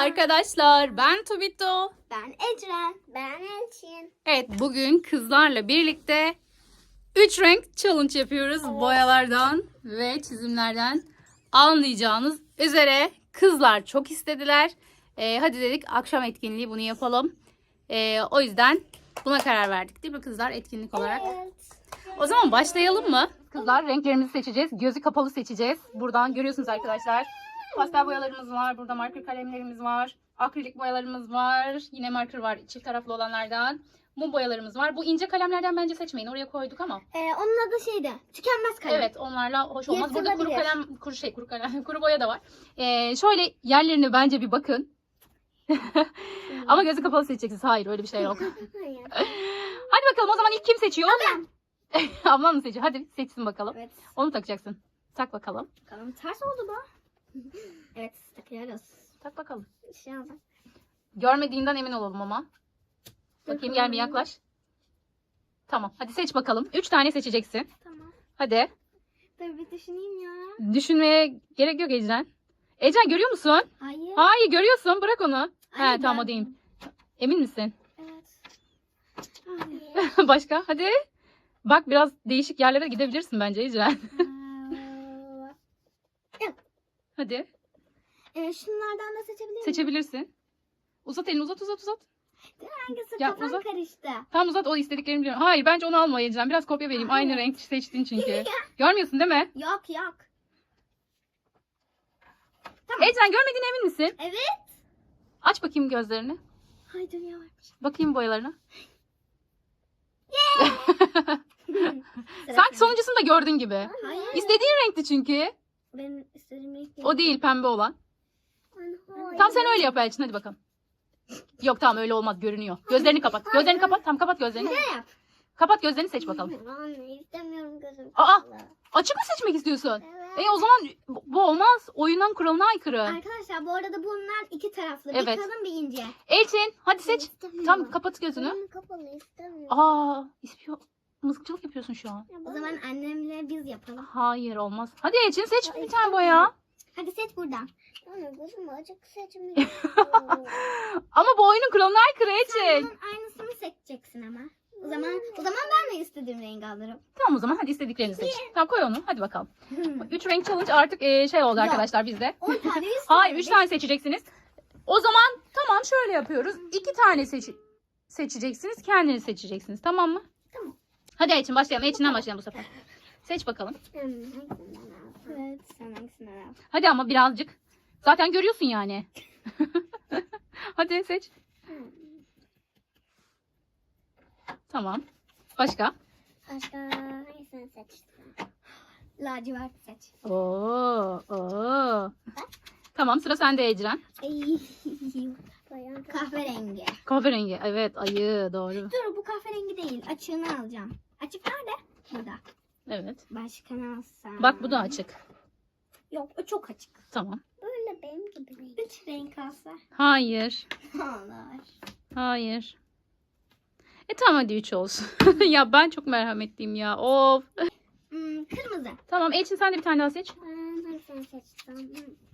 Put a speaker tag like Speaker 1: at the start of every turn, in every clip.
Speaker 1: arkadaşlar. Ben Tubito.
Speaker 2: Ben Ecren. Ben Elçin.
Speaker 1: Evet, bugün kızlarla birlikte 3 renk challenge yapıyoruz.
Speaker 2: Evet.
Speaker 1: Boyalardan ve çizimlerden anlayacağınız üzere kızlar çok istediler. Hadi dedik akşam etkinliği bunu yapalım. O yüzden buna karar verdik değil mi kızlar, etkinlik olarak?
Speaker 2: Evet.
Speaker 1: O zaman başlayalım mı? Kızlar, renklerimizi seçeceğiz. Gözü kapalı seçeceğiz. Buradan görüyorsunuz arkadaşlar. Pastel boyalarımız var. Burada marker kalemlerimiz var. Akrilik boyalarımız var. Yine marker var, çift taraflı olanlardan. Mum boyalarımız var. Bu ince kalemlerden bence seçmeyin. Oraya koyduk ama.
Speaker 2: Onun adı şeydi. Tükenmez kalem.
Speaker 1: Evet, onlarla hoş olmaz. Burada kuru
Speaker 2: Yırtılabilir.
Speaker 1: kalem, kuru boya da var. Şöyle yerlerine bence bir bakın. Ama gözü kapalı seçeceksiniz. Hayır, öyle bir şey yok.
Speaker 2: Hayır.
Speaker 1: Hadi bakalım, o zaman ilk kim seçiyor? Ablam mı seçiyor? Hadi seçsin bakalım.
Speaker 2: Evet.
Speaker 1: Onu takacaksın. Tak bakalım.
Speaker 2: Bakalım ters oldu bu. Evet, takıyoruz.
Speaker 1: Tak bakalım.
Speaker 2: Şey oldu.
Speaker 1: Görmediğinden emin olalım ama. Bakayım, gel bir yaklaş. Tamam. Hadi seç bakalım. 3 tane seçeceksin.
Speaker 2: Tamam.
Speaker 1: Hadi.
Speaker 2: Dur bir düşüneyim ya.
Speaker 1: Düşünmeye gerek yok Ecren. Ecren, görüyor musun?
Speaker 2: Hayır.
Speaker 1: Hayır, görüyorsun. Bırak onu.
Speaker 2: Hayır,
Speaker 1: He, tamam,
Speaker 2: ben-
Speaker 1: o değil. Emin misin?
Speaker 2: Evet. Hayır.
Speaker 1: Başka? Hadi. Bak, biraz değişik yerlere gidebilirsin bence Ecren. Hadi.
Speaker 2: Şunlardan da seçebilir miyim?
Speaker 1: Seçebilirsin. Uzat elini, uzat.
Speaker 2: Hangisi?
Speaker 1: Ya,
Speaker 2: Kafam
Speaker 1: uzat.
Speaker 2: karıştı.
Speaker 1: Tam uzat, o istediklerini biliyorum. Hayır, bence onu alma Ecren. Biraz kopya vereyim. Aynı
Speaker 2: Evet.
Speaker 1: renk seçtin çünkü. Görmüyorsun değil mi?
Speaker 2: Yok.
Speaker 1: Ecren, görmediğine emin misin?
Speaker 2: Evet.
Speaker 1: Aç bakayım gözlerini.
Speaker 2: Hay dünya varmış.
Speaker 1: Bakayım boyalarına.
Speaker 2: Sıra
Speaker 1: Sanki
Speaker 2: sende.
Speaker 1: sonuncusunu da gördün gibi.
Speaker 2: Hayır.
Speaker 1: İstediğin renkti çünkü.
Speaker 2: Benim istediğim renk değil.
Speaker 1: O değil, pembe olan.
Speaker 2: Hayır.
Speaker 1: Tam sen öyle yap Elçin, hadi bakalım. Yok, tamam, öyle olmaz, görünüyor. Gözlerini kapat. Gözlerini kapat. Tam kapat gözlerini.
Speaker 2: Ne yap?
Speaker 1: Kapat gözlerini, seç bakalım.
Speaker 2: Anne istemiyorum gözüm.
Speaker 1: Aa!
Speaker 2: kapalı.
Speaker 1: Açık mı seçmek istiyorsun?
Speaker 2: Evet.
Speaker 1: O zaman bu olmaz. Oyunun kuralına aykırı.
Speaker 2: Arkadaşlar bu arada bunlar iki taraflı. Bir
Speaker 1: Evet.
Speaker 2: kalın bir ince.
Speaker 1: Elçin, hadi seç.
Speaker 2: İstemiyorum.
Speaker 1: Tam kapat gözünü.
Speaker 2: Gözüm kapalı istemiyorum.
Speaker 1: Aa, ispiyon. Mızıkçılık yapıyorsun şu an.
Speaker 2: O zaman annemle biz yapalım.
Speaker 1: Hayır, olmaz. Hadi Elçin, seç bir tane boya.
Speaker 2: Hadi seç buradan. Anne gözüm açık seçmek
Speaker 1: Ama bu oyunun kuralına aykırı Elçin.
Speaker 2: Bunun aynısını seçeceksin ama. O zaman ben de istediğim rengi alırım.
Speaker 1: Tamam, o zaman hadi istediklerini seç. Tamam, koy onu. Hadi bakalım. 3 renk challenge artık şey oldu
Speaker 2: Yok.
Speaker 1: arkadaşlar bizde.
Speaker 2: 10 tane istiyorum.
Speaker 1: Hayır, 3 tane seçeceksiniz. O zaman tamam, şöyle yapıyoruz. 2 tane seçeceksiniz. Kendiniz seçeceksiniz. Tamam mı?
Speaker 2: Tamam.
Speaker 1: Hadi Elçin, başlayalım. Elçin'den başlayalım bu sefer. Seç bakalım.
Speaker 2: Evet. Sen hangisinden al?
Speaker 1: Hadi ama birazcık. Zaten görüyorsun yani. Hadi seç. Tamam. Başka?
Speaker 2: Başka hangisini seçtin? Lacivert seç.
Speaker 1: Oo. Tamam, sıra sende Ecren.
Speaker 2: Ay. Kahverengi.
Speaker 1: Kahverengi. Evet, ayı, doğru.
Speaker 2: Dur bu kahverengi değil. Açığını alacağım. Açık nerede? Burada.
Speaker 1: Evet.
Speaker 2: Başka ne alsam?
Speaker 1: Bak, bu da açık.
Speaker 2: Yok o çok açık.
Speaker 1: Tamam.
Speaker 2: Böyle benim gibi. 3 renk alsa.
Speaker 1: Hayır.
Speaker 2: Olur.
Speaker 1: Hayır. Tamam, hadi 3 olsun. Ya ben çok merhametliyim ya. Of.
Speaker 2: Kırmızı.
Speaker 1: Tamam, Elçin sen de bir tane daha seç.
Speaker 2: Hangisini seçtim?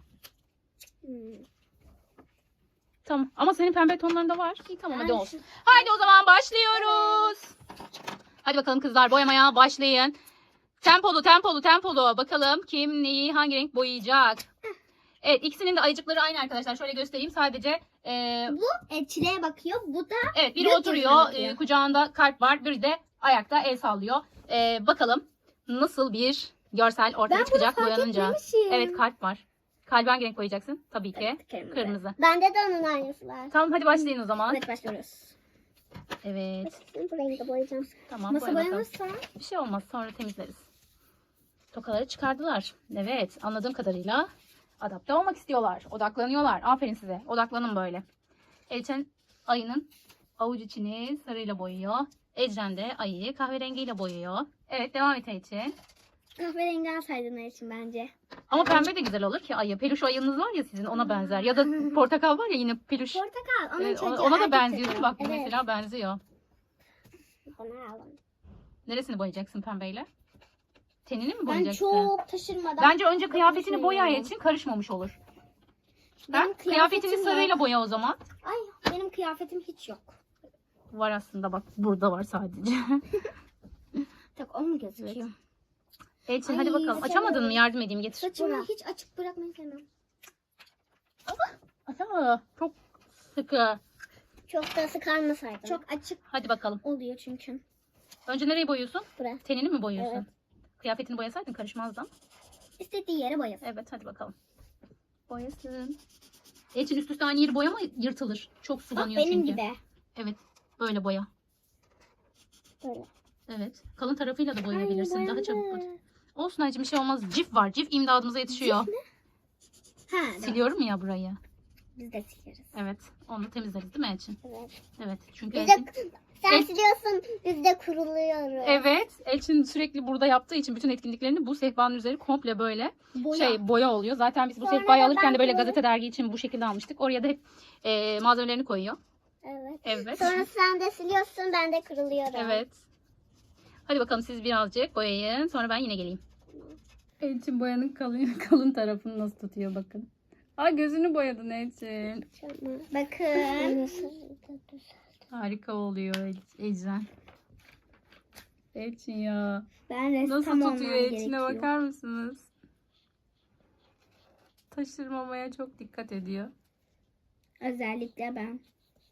Speaker 1: Tamam. Ama senin pembe tonlarında var. İyi, tamam, hadi
Speaker 2: Ben
Speaker 1: olsun. Haydi o zaman başlıyoruz. Hadi bakalım kızlar, boyamaya başlayın. Tempolu. Bakalım kim neyi hangi renk boyayacak. Evet, ikisinin de ayıcıkları aynı arkadaşlar. Şöyle göstereyim sadece.
Speaker 2: Bu çileğe bakıyor. Bu da
Speaker 1: Evet, biri
Speaker 2: gökyüzüne
Speaker 1: oturuyor.
Speaker 2: bakıyor.
Speaker 1: Kucağında kalp var. Biri de ayakta el sallıyor. Bakalım nasıl bir görsel ortaya
Speaker 2: Ben bunu
Speaker 1: çıkacak
Speaker 2: fark
Speaker 1: boyanınca.
Speaker 2: etmemişim.
Speaker 1: Evet, kalp var. Kalbi hangi renk boyayacaksın? Tabii ki kırmızı.
Speaker 2: Bende de onun aynısı var.
Speaker 1: Tamam, hadi başlayın o zaman.
Speaker 2: Evet başlıyoruz.
Speaker 1: Evet.
Speaker 2: Bu rengi boyayacağım.
Speaker 1: Tamam,
Speaker 2: Nasıl
Speaker 1: boya bakalım.
Speaker 2: boyanırsa?
Speaker 1: Bir şey olmaz, sonra temizleriz. Tokaları çıkardılar. Evet, anladığım kadarıyla adapte olmak istiyorlar. Odaklanıyorlar. Aferin size. Odaklanın böyle. Elçin ayının avuç içini sarıyla boyuyor. Ecren de ayıyı kahverengiyle boyuyor. Evet, devam et Elçin.
Speaker 2: Kahverengi alsaydın için bence.
Speaker 1: Ama pembe de güzel olur ki ayı. Peluş ayınız var ya sizin, ona benzer. Ya da portakal var ya, yine peluş.
Speaker 2: Portakal. Onun
Speaker 1: Evet,
Speaker 2: çocuğu,
Speaker 1: ona da
Speaker 2: erkek
Speaker 1: benziyor.
Speaker 2: çocuğu.
Speaker 1: Bak,
Speaker 2: Evet.
Speaker 1: mesela benziyor.
Speaker 2: Onu alalım.
Speaker 1: Neresini boyayacaksın pembeyle? Tenini mi
Speaker 2: Ben
Speaker 1: boyayacaksın?
Speaker 2: çok taşırmadan.
Speaker 1: Bence önce kıyafetini boya
Speaker 2: düşünüyorum.
Speaker 1: için karışmamış olur.
Speaker 2: Benim
Speaker 1: Kıyafetini
Speaker 2: kıyafetim
Speaker 1: sarıyla boya o zaman.
Speaker 2: Ay benim kıyafetim hiç yok.
Speaker 1: Var aslında bak. Burada var sadece.
Speaker 2: Tak o mu gözüküyor?
Speaker 1: Elçin
Speaker 2: Ay,
Speaker 1: hadi bakalım. Açamadın mı? Yardım edeyim getir.
Speaker 2: Saçımı hiç açık bırakmayı sevmem.
Speaker 1: Açamadı. Çok sıkı.
Speaker 2: Çok da sıkarmasaydım. Çok açık
Speaker 1: Hadi bakalım.
Speaker 2: oluyor çünkü.
Speaker 1: Önce nereyi boyuyorsun?
Speaker 2: Buraya.
Speaker 1: Tenini mi boyuyorsun?
Speaker 2: Evet.
Speaker 1: Kıyafetini boyasaydın karışmazdı ama.
Speaker 2: İstediği yere boyasın.
Speaker 1: Evet hadi bakalım. Boyasın. Elçin üst üste aynı yeri boyama yırtılır. Çok
Speaker 2: Bak
Speaker 1: sulanıyor
Speaker 2: benim
Speaker 1: çünkü.
Speaker 2: gibi.
Speaker 1: Evet. Böyle boya.
Speaker 2: Böyle.
Speaker 1: Evet. Kalın tarafıyla da boyayabilirsin.
Speaker 2: Ay,
Speaker 1: Daha
Speaker 2: boyandı.
Speaker 1: çabuk boy. Olsun Aycım bir şey olmaz. Cif var. Cif imdadımıza yetişiyor.
Speaker 2: Ha,
Speaker 1: Siliyorum ya burayı.
Speaker 2: biz de sileriz.
Speaker 1: Evet. Onu temizleriz değil mi Elçin?
Speaker 2: Evet.
Speaker 1: Evet. Çünkü
Speaker 2: Biz
Speaker 1: Elçin...
Speaker 2: de, sen siliyorsun, biz de kuruluyoruz.
Speaker 1: Evet. Elçin sürekli burada yaptığı için bütün etkinliklerini bu sehpanın üzeri komple böyle boya oluyor. Zaten biz bu
Speaker 2: Sonra
Speaker 1: sehpayı
Speaker 2: da
Speaker 1: alırken
Speaker 2: ben
Speaker 1: de böyle
Speaker 2: böyle-
Speaker 1: gazete dergi için bu şekilde almıştık. Oraya da hep malzemelerini koyuyor.
Speaker 2: Evet.
Speaker 1: Evet.
Speaker 2: Sonra sen de siliyorsun, ben de kuruluyorum.
Speaker 1: Evet. Hadi bakalım siz birazcık boyayın. Sonra ben yine geleyim. Elçin boyanın kalın tarafını nasıl tutuyor bakın. Ay gözünü boyadın Elçin.
Speaker 2: Bakın.
Speaker 1: Harika oluyor Ecren. Elçin ya.
Speaker 2: Ben ressam
Speaker 1: Nasıl
Speaker 2: olmam
Speaker 1: tutuyor Elçin'e
Speaker 2: gerekiyor.
Speaker 1: bakar mısınız? Taşırmamaya çok dikkat ediyor.
Speaker 2: Özellikle ben.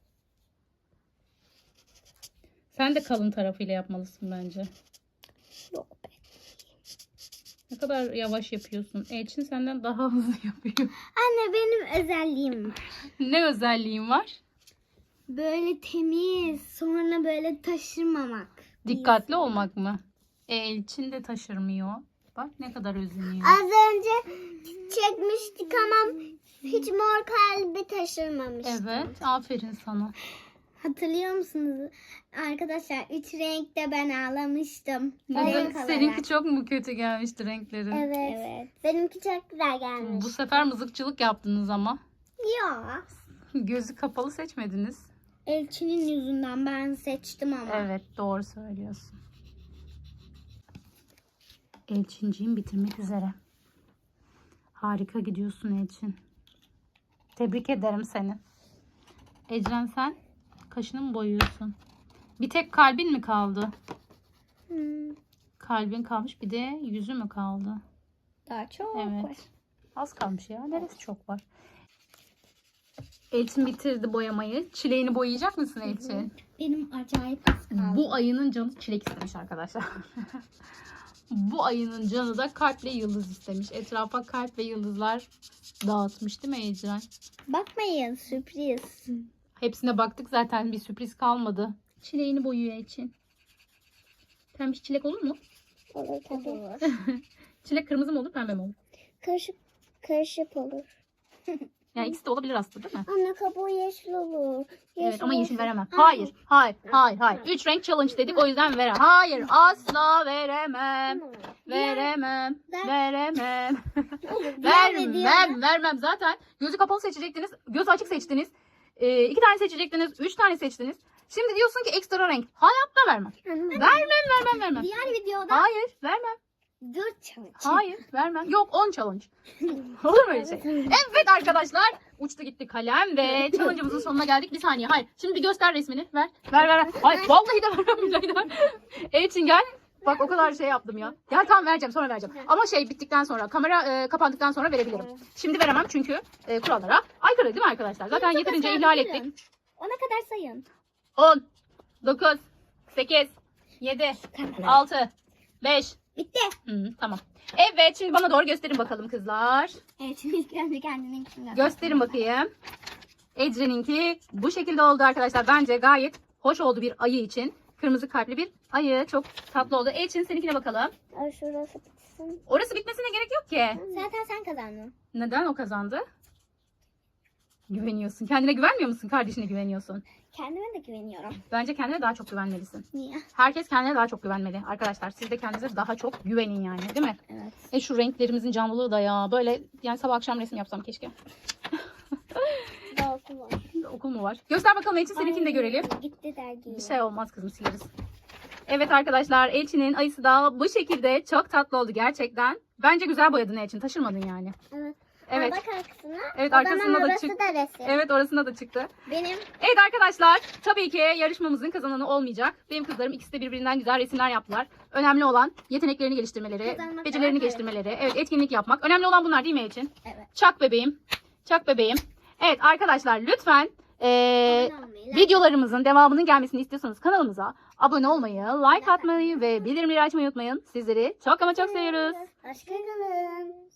Speaker 1: Sen de kalın tarafıyla yapmalısın bence.
Speaker 2: Yok be.
Speaker 1: Ne kadar yavaş yapıyorsun. Elçin senden daha hızlı yapıyor.
Speaker 2: Anne benim özelliğim var.
Speaker 1: Ne özelliğin var?
Speaker 2: Böyle temiz, sonra böyle taşırmamak.
Speaker 1: Dikkatli olmak mı? Elçin de taşırmıyor. Bak ne kadar özeniyor.
Speaker 2: Az önce çekmiştik ama hiç mor kalbi taşırmamıştım.
Speaker 1: Evet, aferin sana.
Speaker 2: Hatırlıyor musunuz? Arkadaşlar 3 renkte ben ağlamıştım.
Speaker 1: Neden?
Speaker 2: Renk olarak.
Speaker 1: Seninki çok mu kötü gelmişti renklerin?
Speaker 2: Evet. Benimki çok güzel gelmiş.
Speaker 1: Bu sefer mızıkçılık yaptınız ama.
Speaker 2: Ya.
Speaker 1: Gözü kapalı seçmediniz.
Speaker 2: Elçinin yüzünden ben seçtim ama.
Speaker 1: Evet, doğru söylüyorsun. Elçinciğim bitirmek üzere. Harika gidiyorsun Elçin. Tebrik ederim seni. Ecren sen kaşını mı boyuyorsun? Bir tek kalbin mi kaldı?
Speaker 2: Hmm,
Speaker 1: Kalbin kalmış, bir de yüzü mü kaldı?
Speaker 2: daha çok
Speaker 1: Evet.
Speaker 2: var.
Speaker 1: Az kalmış ya. Neresi çok var? Elçin bitirdi boyamayı. Çileğini boyayacak mısın Elçin?
Speaker 2: Benim acayip az kaldı.
Speaker 1: Bu ayının canı çilek istemiş arkadaşlar. Bu ayının canı da kalp ve yıldız istemiş. Etrafa kalp ve yıldızlar dağıtmış değil mi Ecren?
Speaker 2: Bakmayın sürpriz.
Speaker 1: Hepsine baktık zaten, bir sürpriz kalmadı. Çileğini boyuyor Elçin. Pembe çilek olur mu?
Speaker 2: Olur tabii.
Speaker 1: Çilek kırmızı mı olur, pembe mi olur?
Speaker 2: Karışık olur.
Speaker 1: Yani ikisi de olabilir aslında değil mi?
Speaker 2: Anne kabuğu yeşil olur.
Speaker 1: Evet ama yeşil veremem. Hayır, hayır, hayır, hayır. 3 renk challenge dedik, o yüzden veremem. Hayır, asla veremem. Veremem, veremem. Vermem. Zaten gözü kapalı seçecektiniz, gözü açık seçtiniz. 2 tane seçecektiniz, 3 tane seçtiniz. Şimdi diyorsun ki ekstra renk. Hayatta vermem. Vermem.
Speaker 2: Diğer videoda
Speaker 1: Hayır, vermem.
Speaker 2: 4 challenge.
Speaker 1: Hayır, vermem. Yok, 10 challenge. Olur mu öyle şey? Evet arkadaşlar, uçtu gitti kalem ve challenge'ımızın sonuna geldik. Bir saniye, hayır. Şimdi bir göster resmini. Ver. Hayır, vallahi de vermem, billahi de vermem. Elçin gel. Bak o kadar şey yaptım ya. Gel tamam, vereceğim, sonra vereceğim. Ama şey bittikten sonra, kamera kapandıktan sonra verebilirim. Şimdi veremem çünkü kurallara aykırı değil mi arkadaşlar? Zaten yeterince ihlal ettik.
Speaker 2: Ona kadar sayın.
Speaker 1: 10, 9, 8, 7, 6, 5.
Speaker 2: Bitti.
Speaker 1: Tamam. Evet, şimdi bana doğru gösterin bakalım kızlar.
Speaker 2: Elçin ilk önce kendinin kimden?
Speaker 1: Gösterin bakayım. Ecren'inki bu şekilde oldu arkadaşlar. Bence gayet hoş oldu bir ayı için. Kırmızı kalpli bir ayı. Çok tatlı oldu. Elçin seninkine bakalım.
Speaker 2: Şurası bitsin.
Speaker 1: Orası bitmesine gerek yok ki.
Speaker 2: Zaten sen kazandın.
Speaker 1: Neden o kazandı? Güveniyorsun. Kendine güvenmiyor musun? Kardeşine güveniyorsun.
Speaker 2: Kendime de güveniyorum.
Speaker 1: Bence kendine daha çok güvenmelisin.
Speaker 2: Niye?
Speaker 1: Herkes kendine daha çok güvenmeli. Arkadaşlar siz de kendinize daha çok güvenin yani. Değil mi?
Speaker 2: Evet.
Speaker 1: Şu renklerimizin canlılığı da ya. Böyle yani sabah akşam resim yapsam keşke.
Speaker 2: Daha okul var.
Speaker 1: Okul mu var? Göster bakalım Elçin, seninkini de görelim.
Speaker 2: Gitti dergi.
Speaker 1: Bir şey olmaz kızım, sileriz. Evet arkadaşlar, Elçin'in ayısı da bu şekilde çok tatlı oldu gerçekten. Bence güzel boyadın Elçin, taşırmadın yani.
Speaker 2: Evet.
Speaker 1: Evet.
Speaker 2: Bak arkasına.
Speaker 1: Evet,
Speaker 2: O zaman
Speaker 1: arkasında da
Speaker 2: orası
Speaker 1: çık.
Speaker 2: da resim.
Speaker 1: Evet, orasında da çıktı.
Speaker 2: Benim
Speaker 1: Evet arkadaşlar, tabii ki yarışmamızın kazananı olmayacak. Benim kızlarım ikisi de birbirinden güzel resimler yaptılar. Önemli olan yeteneklerini geliştirmeleri,
Speaker 2: Kazanmak
Speaker 1: becerilerini
Speaker 2: daha
Speaker 1: geliştirmeleri. Evet, etkinlik yapmak. Önemli olan bunlar değil mi Elçin?
Speaker 2: evet.
Speaker 1: Çak bebeğim. Çak bebeğim. Evet arkadaşlar, lütfen
Speaker 2: Abone olmayı,
Speaker 1: videolarımızın devamının gelmesini istiyorsanız kanalımıza abone olmayı, like atmayı ve bildirimleri açmayı unutmayın. Sizleri çok ama çok seviyoruz.
Speaker 2: Hoşçakalın.